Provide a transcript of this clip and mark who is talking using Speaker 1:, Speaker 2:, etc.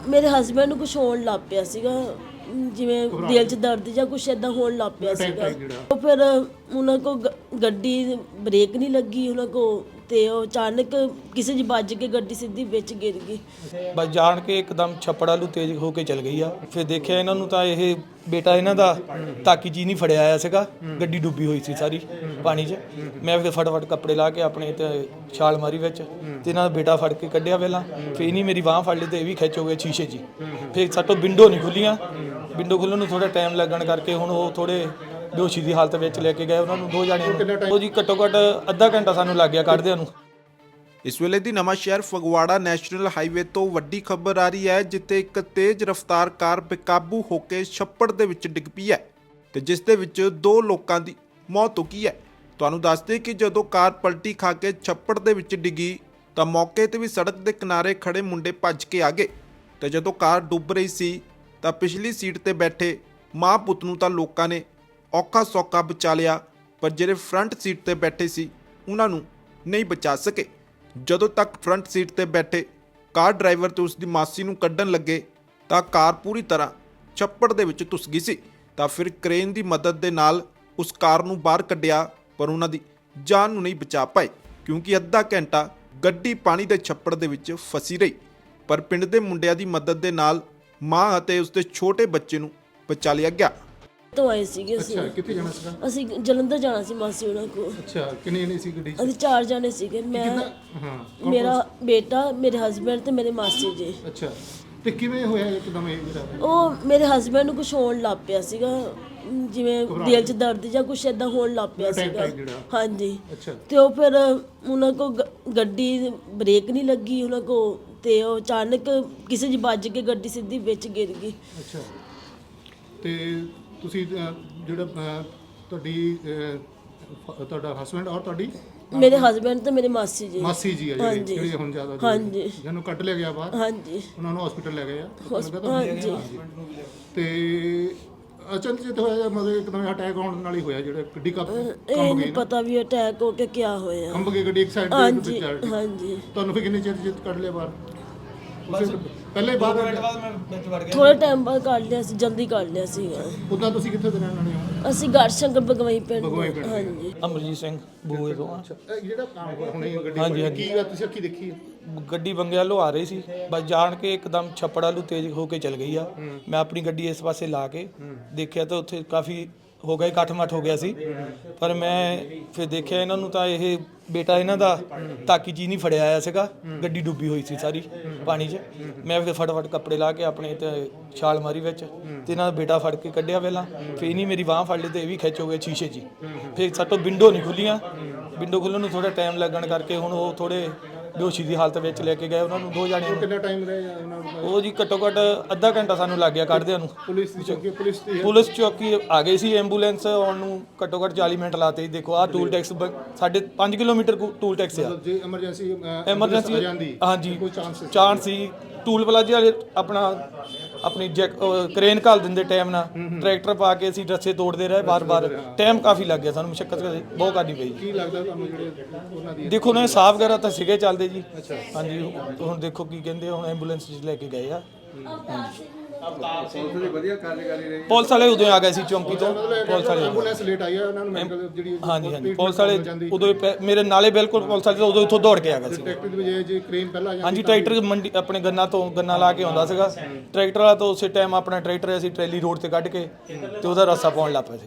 Speaker 1: ਮੇਰੇ ਹਸਬੰਡ ਨੂੰ ਕੁਝ ਹੋਣ ਲੱਗ ਪਿਆ ਸੀਗਾ, ਜਿਵੇਂ ਦਿਲ 'ਚ ਦਰਦ ਜਾਂ ਕੁਝ ਇਦਾਂ ਹੋਣ ਲੱਗ ਪਿਆ ਸੀਗਾ। ਉਹ ਫਿਰ ਉਹਨਾਂ ਕੋ ਗੱਡੀ ਬ੍ਰੇਕ ਨਹੀਂ ਲੱਗੀ ਉਹਨਾਂ ਕੋ, ਤੇ ਉਹ ਅਚਾਨਕ ਕਿਸੇ ਦੀ ਵੱਜ ਕੇ ਗੱਡੀ ਸਿੱਧੀ ਵਿੱਚ ਗਿਰ ਗਈ।
Speaker 2: ਬਸ ਜਾਣ ਕੇ ਇੱਕਦਮ ਛੱਪੜ ਵੱਲ ਤੇਜ਼ ਹੋ ਕੇ ਚਲ ਗਈ ਆ। ਫਿਰ ਦੇਖਿਆ ਇਹਨਾਂ ਨੂੰ ਤਾਂ ਇਹ ਬੇਟਾ ਇਹਨਾਂ ਦਾ ਤਾਕੀ ਜੀ ਨਹੀਂ ਫੜਿਆ ਆਇਆ ਸੀਗਾ, ਗੱਡੀ ਡੁੱਬੀ ਹੋਈ ਸੀ ਸਾਰੀ ਪਾਣੀ 'ਚ। ਮੈਂ ਫਿਰ ਫਟਾਫਟ ਕੱਪੜੇ ਲਾ ਕੇ ਆਪਣੇ ਤੇ ਛਾਲ ਮਾਰੀ ਵਿੱਚ, ਤੇ ਇਹਨਾਂ ਦਾ ਬੇਟਾ ਫੜ ਕੇ ਕੱਢਿਆ ਪਹਿਲਾਂ, ਫਿਰ ਇਹਨੀ ਮੇਰੀ ਬਾਂਹ ਫੜ ਲਈ ਤੇ ਇਹ ਵੀ ਖਿੱਚ ਹੋ ਗਏ ਸ਼ੀਸ਼ੇ 'ਚ। ਫਿਰ ਸਾਤੋਂ ਵਿੰਡੋ ਨਹੀਂ ਖੁੱਲੀਆਂ, ਵਿੰਡੋ ਖੁੱਲ੍ਹਣ ਨੂੰ ਥੋੜਾ ਟਾਈਮ ਲੱਗਣ ਕਰਕੇ ਹੁਣ ਉਹ ਥੋੜੇ ਬੇਹੋਸ਼ੀ ਦੀ ਹਾਲਤ ਵਿੱਚ ਲੈ ਕੇ ਗਏ ਉਹਨਾਂ ਨੂੰ, 2 ਜਾਣੇ। ਉਹ ਜੀ ਘੱਟੋ ਘੱਟ ਅੱਧਾ ਘੰਟਾ ਸਾਨੂੰ ਲੱਗ ਗਿਆ ਕੱਢਦਿਆਂ ਨੂੰ।
Speaker 3: ਇਸ ਵੇਲੇ ਦੀ ਨਵਾਂ ਸ਼ਹਿਰ ਫਗਵਾੜਾ ਨੈਸ਼ਨਲ ਹਾਈਵੇ ਤੋਂ ਵੱਡੀ ਖਬਰ ਆ ਰਹੀ ਹੈ, ਜਿੱਥੇ ਇੱਕ ਤੇਜ਼ ਰਫ਼ਤਾਰ ਕਾਰ ਬੇਕਾਬੂ ਹੋ ਕੇ ਛੱਪੜ ਦੇ ਵਿੱਚ ਡਿੱਗ ਪਈ ਹੈ ਤੇ ਜਿਸ ਦੇ ਵਿੱਚ 2 ਲੋਕਾਂ ਦੀ ਮੌਤ ਹੋ ਗਈ ਹੈ। ਤੁਹਾਨੂੰ ਦੱਸਦੇ ਕਿ ਜਦੋਂ ਕਾਰ ਪਲਟੀ ਖਾ ਕੇ ਛੱਪੜ ਦੇ ਵਿੱਚ ਡਿੱਗੀ ਤਾਂ ਮੌਕੇ ਤੇ ਵੀ ਸੜਕ ਦੇ ਕਿਨਾਰੇ ਖੜੇ ਮੁੰਡੇ ਭੱਜ ਕੇ ਆ ਗਏ, ਤੇ ਜਦੋਂ ਕਾਰ ਡੁੱਬ ਰਹੀ ਸੀ ਤਾਂ ਪਿਛਲੀ ਸੀਟ ਤੇ ਬੈਠੇ ਮਾਂ ਪੁੱਤ ਨੂੰ ਤਾਂ ਲੋਕਾਂ ਨੇ ਔਖਾ ਸੌਖਾ ਬਚਾ ਲਿਆ, ਪਰ ਜਿਹੜੇ ਫਰੰਟ ਸੀਟ ਤੇ ਬੈਠੇ ਸੀ ਉਹਨਾਂ ਨੂੰ ਨਹੀਂ ਬਚਾ ਸਕੇ। ਜਦੋਂ ਤੱਕ ਫਰੰਟ ਸੀਟ ਤੇ ਬੈਠੇ ਕਾਰ ਡਰਾਈਵਰ ਤੇ ਉਸ ਦੀ ਮਾਸੀ ਨੂੰ ਕੱਢਣ ਲੱਗੇ ਤਾਂ ਕਾਰ ਪੂਰੀ ਤਰ੍ਹਾਂ ਛੱਪੜ ਦੇ ਵਿੱਚ ਧੁੱਸ ਗਈ ਸੀ। ਤਾਂ ਫਿਰ ਕ੍ਰੇਨ ਦੀ ਮਦਦ ਦੇ ਨਾਲ ਉਸ ਕਾਰ ਨੂੰ ਬਾਹਰ ਕੱਢਿਆ, ਪਰ ਉਹਨਾਂ ਦੀ ਜਾਨ ਨੂੰ ਨਹੀਂ ਬਚਾ ਪਾਏ, ਕਿਉਂਕਿ ਅੱਧਾ ਘੰਟਾ ਗੱਡੀ ਪਾਣੀ ਦੇ ਛੱਪੜ ਦੇ ਵਿੱਚ ਫਸੀ ਰਹੀ। ਪਰ ਪਿੰਡ ਦੇ ਮੁੰਡਿਆਂ ਦੀ ਮਦਦ ਦੇ ਨਾਲ ਮਾਂ ਅਤੇ ਉਸ ਦੇ ਛੋਟੇ ਬੱਚੇ ਨੂੰ ਬਚਾ ਲਿਆ ਗਿਆ।
Speaker 1: ਤੋਂ ਆਏ ਸੀਗੇ ਅਸੀਂ।
Speaker 4: ਅੱਛਾ, ਕਿੱਥੇ ਜਾਣਾ ਸੀਗਾ?
Speaker 1: ਅਸੀਂ ਜਲੰਧਰ ਜਾਣਾ ਸੀ ਮਾਸੀ ਉਹਨਾਂ ਕੋਲ।
Speaker 4: ਅੱਛਾ, ਕਿੰਨੇ ਜਣੇ ਸੀ ਗੱਡੀ 'ਚ?
Speaker 1: ਅਸੀਂ 4 ਜਾਣੇ ਸੀਗੇ, ਮੈਂ,
Speaker 4: ਹਾਂ,
Speaker 1: ਮੇਰਾ ਬੇਟਾ, ਮੇਰੇ ਹਸਬੰਡ ਤੇ ਮੇਰੇ ਮਾਸੀ ਜੀ।
Speaker 4: ਅੱਛਾ, ਤੇ ਕਿਵੇਂ ਹੋਇਆ ਇੱਕਦਮ ਇਹ ਜਿਹੜਾ?
Speaker 1: ਉਹ ਮੇਰੇ ਹਸਬੰਡ ਨੂੰ ਕੁਝ ਹੋਣ ਲੱਗ ਪਿਆ ਸੀਗਾ, ਜਿਵੇਂ ਦਿਲ 'ਚ ਦਰਦ ਜਾਂ ਕੁਝ ਇਦਾਂ ਹੋਣ ਲੱਗ ਪਿਆ ਸੀਗਾ। ਹਾਂਜੀ।
Speaker 4: ਅੱਛਾ,
Speaker 1: ਤੇ ਉਹ ਫਿਰ ਉਹਨਾਂ ਕੋ ਗੱਡੀ ਬ੍ਰੇਕ ਨਹੀਂ ਲੱਗੀ ਉਹਨਾਂ ਕੋ, ਤੇ ਉਹ ਅਚਾਨਕ ਕਿਸੇ ਦੀ ਵੱਜ ਕੇ ਗੱਡੀ ਸਿੱਧੀ ਵਿੱਚ ਗਿਰ ਗਈ।
Speaker 4: ਅੱਛਾ, ਤੇ ਤੁਸੀਂ ਜਿਹੜਾ ਤੁਹਾਡਾ ਹਸਬੰਡ ਔਰ ਤੁਹਾਡੀ
Speaker 1: ਮੇਰੇ ਹਸਬੰਡ ਤੇ ਮੇਰੇ ਮਾਸੀ ਜੀ
Speaker 4: ਆ ਜਿਹੜੇ ਹੁਣ ਜ਼ਿਆਦਾ
Speaker 1: ਹਾਂਜੀ,
Speaker 4: ਜਿਹਨੂੰ ਕੱਢ ਲਿਆ ਗਿਆ ਬਾਹਰ,
Speaker 1: ਹਾਂਜੀ,
Speaker 4: ਉਹਨਾਂ ਨੂੰ ਹਸਪੀਟਲ ਲੈ ਗਏ ਆ।
Speaker 1: ਹਾਂਜੀ।
Speaker 4: ਤੇ ਅਚਨਚੇਤ ਹੋਇਆ ਜਾਂ ਮਤਲਬ ਇੱਕਦਮ ਅਟੈਕ ਹੋਣ ਨਾਲ ਹੀ ਹੋਇਆ, ਜਿਹੜਾ ਗੱਡੀ
Speaker 1: ਇਹ ਨਹੀਂ ਪਤਾ ਵੀ ਅਟੈਕ ਹੋ ਕੇ ਕਿਆ ਹੋਇਆ।
Speaker 4: ਕੰਬ ਗਈ ਗੱਡੀ ਇੱਕ ਸਾਈਡ
Speaker 1: ਹਾਂਜੀ,
Speaker 4: ਤੇ।
Speaker 1: ਹਾਂਜੀ।
Speaker 4: ਤੁਹਾਨੂੰ ਫਿਰ ਕਿੰਨੇ ਚਿਰ ਕੱਢ ਲਿਆ ਬਾਹਰ? ਪਹਿਲੇ ਬਾਅਦ
Speaker 1: ਥੋੜੇ ਟਾਈਮ ਬਾਅਦ ਕੱਢ ਲਿਆ ਸੀ, ਜਲਦੀ ਕੱਢ ਲਿਆ ਸੀ।
Speaker 4: ਉਦਾਂ ਤੁਸੀਂ ਕਿੱਥੇ ਦੇ ਰਹਿਣ ਵਾਲੇ ਹੋ?
Speaker 1: ਅਸੀਂ ਗੜਸ਼ੰਕਰ ਬਗਵਾਈ ਪਿੰਡ।
Speaker 4: ਹਾਂਜੀ।
Speaker 2: ਅਮਰਜੀਤ ਸਿੰਘ ਬੂਏ ਤੋਂ ਆ।
Speaker 4: ਇਹ ਜਿਹੜਾ ਕੰਮ ਹੁਣੇ ਗੱਡੀ
Speaker 2: ਹਾਂਜੀ, ਹਾਂਜੀ।
Speaker 4: ਕੀ ਗੱਲ ਤੁਸੀਂ ਅੱਖੀ ਦੇਖੀ?
Speaker 2: ਗੱਡੀ ਬੰਗੇ ਵੱਲੋਂ ਆ ਰਹੀ ਸੀ, ਬਸ ਜਾਣ ਕੇ ਇੱਕਦਮ ਛੱਪੜ ਵੱਲ ਤੇਜ਼ ਹੋ ਕੇ ਚਲ ਗਈ ਆ। ਮੈਂ ਆਪਣੀ ਗੱਡੀ ਇਸ ਪਾਸੇ ਲਾ ਕੇ ਦੇਖਿਆ ਤਾਂ ਉੱਥੇ ਕਾਫੀ ਹੋ ਗਿਆ, ਇਕੱਠ ਮੱਠ ਹੋ ਗਿਆ ਸੀ। ਪਰ ਮੈਂ ਫਿਰ ਦੇਖਿਆ ਇਹਨਾਂ ਨੂੰ ਤਾਂ ਇਹ ਬੇਟਾ ਇਹਨਾਂ ਦਾ ਤਾਕੀ ਜੀ ਨਹੀਂ ਫੜਿਆ ਆਇਆ ਸੀਗਾ, ਗੱਡੀ ਡੁੱਬੀ ਹੋਈ ਸੀ ਸਾਰੀ ਪਾਣੀ 'ਚ। ਮੈਂ ਫਿਰ ਫਟਾਫਟ ਕੱਪੜੇ ਲਾ ਕੇ ਆਪਣੇ ਤੇ ਛਾਲ ਮਾਰੀ ਵਿੱਚ, ਤੇ ਇਹਨਾਂ ਦਾ ਬੇਟਾ ਫੜ ਕੇ ਕੱਢਿਆ ਪਹਿਲਾਂ, ਫਿਰ ਇਹਨੀ ਮੇਰੀ ਬਾਂਹ ਫੜ ਲਈ ਤੇ ਇਹ ਵੀ ਖਿੱਚ ਹੋ ਗਏ ਸ਼ੀਸ਼ੇ 'ਚ। ਫਿਰ ਸਾਤੋਂ ਵਿੰਡੋ ਨਹੀਂ ਖੁੱਲੀਆਂ, ਵਿੰਡੋ ਖੁੱਲ੍ਹਣ ਨੂੰ ਥੋੜਾ ਟਾਈਮ ਲੱਗਣ ਕਰਕੇ ਹੁਣ ਉਹ ਥੋੜੇ ਬੇਹੋਸ਼ੀ ਦੀ ਹਾਲਤ ਵਿੱਚ ਲੈ ਕੇ ਗਏ ਉਹਨਾਂ ਨੂੰ, 2 ਜਾਣੇ।
Speaker 4: ਕਿੰਨਾ ਟਾਈਮ ਰਹੇ ਉਹਨਾਂ ਨੂੰ?
Speaker 2: ਉਹ ਜੀ ਘੱਟੋ ਘੱਟ ਅੱਧਾ ਘੰਟਾ ਸਾਨੂੰ ਲੱਗ ਗਿਆ ਕੱਢਦਿਆਂ ਨੂੰ। ਪੁਲਿਸ ਚੌਕੀ ਆ ਗਈ ਸੀ, ਐਂਬੂਲੈਂਸ ਆਉਣ ਨੂੰ ਘੱਟੋ ਘੱਟ 40 ਮਿੰਟ ਲਾਤੇ। ਦੇਖੋ ਆਹ ਟੂਲ ਟੈਕਸ ਸਾਡੇ 5 ਕਿਲੋਮੀਟਰ ਟੂਲ ਟੈਕਸ ਆ।
Speaker 4: ਜੇ ਐਮਰਜੈਂਸੀ
Speaker 2: ਹਾਂਜੀ, ਚਾਂਸ ਸੀ। ਟੂਲ ਪਲਾਜ਼ੇ ਵਾਲੇ ਆਪਣੀ ਕ੍ਰੇਨ ਘੱਲ ਦਿੰਦੇ ਟਾਈਮ ਨਾਲ, ਟਰੈਕਟਰ ਪਾ ਕੇ ਅਸੀਂ ਰੱਸੇ ਤੋੜਦੇ ਰਹੇ ਬਾਰ-ਬਾਰ। ਟਾਈਮ ਕਾਫੀ ਲੱਗ ਗਿਆ ਸਾਨੂੰ, ਮੁਸ਼ੱਕਤ ਬਹੁਤ ਕਰਨੀ ਪਈ।
Speaker 4: ਕੀ ਲੱਗਦਾ ਤੁਹਾਨੂੰ ਜਿਹੜੇ ਉਹਨਾਂ ਦੀ?
Speaker 2: ਦੇਖੋ ਨਾ, ਸਾਫ ਵਗੈਰਾ ਤਾਂ ਸੀਗੇ ਚੱਲਦੇ ਜੀ। ਹਾਂਜੀ, ਹੁਣ ਦੇਖੋ ਕੀ ਕਹਿੰਦੇ, ਹੁਣ ਐਂਬੂਲੈਂਸ 'ਚ ਲੈ ਕੇ ਗਏ ਆ। ਪੁਲਿਸ ਵਾਲੇ ਉਦੋਂ ਆ ਗਏ ਸੀ ਚੌਂਕੀ ਤੋਂ। ਪੁਲਿਸ ਵਾਲੇ
Speaker 4: ਐਂਬੂਲੈਂਸ ਲੇਟ ਆਈ ਹੈ, ਉਹਨਾਂ ਨੂੰ ਮੈਡੀਕਲ ਜਿਹੜੀ
Speaker 2: ਹਾਂਜੀ ਪੁਲਿਸ ਵਾਲੇ ਉਦੋਂ ਮੇਰੇ ਨਾਲੇ ਬਿਲਕੁਲ ਪੁਲਿਸ ਵਾਲੇ ਉਦੋਂ ਇੱਥੋਂ ਦੌੜ ਕੇ ਆ ਗਏ ਸੀ।
Speaker 4: ਟਰੈਕਟਰ ਦੀ ਵਜ੍ਹਾ ਜੇ ਕ੍ਰੇਨ ਪਹਿਲਾਂ ਆ ਜਾਂਦੀ।
Speaker 2: ਹਾਂਜੀ, ਟਰੈਕਟਰ ਮੰਡੀ ਆਪਣੇ ਗੰਨਾ ਲਾ ਕੇ ਆਉਂਦਾ ਸੀਗਾ ਟਰੈਕਟਰ ਵਾਲਾ, ਤਾਂ ਉਸੇ ਟਾਈਮ ਆਪਣਾ ਟਰੈਕਟਰ ਅਸੀਂ ਟਰੈਲੀ ਰੋਡ ਤੇ ਕੱਢ ਕੇ ਤੇ ਉਹਦਾ ਰਸਤਾ ਪਾਉਣ ਲੱਗ ਪਏ ਸੀ।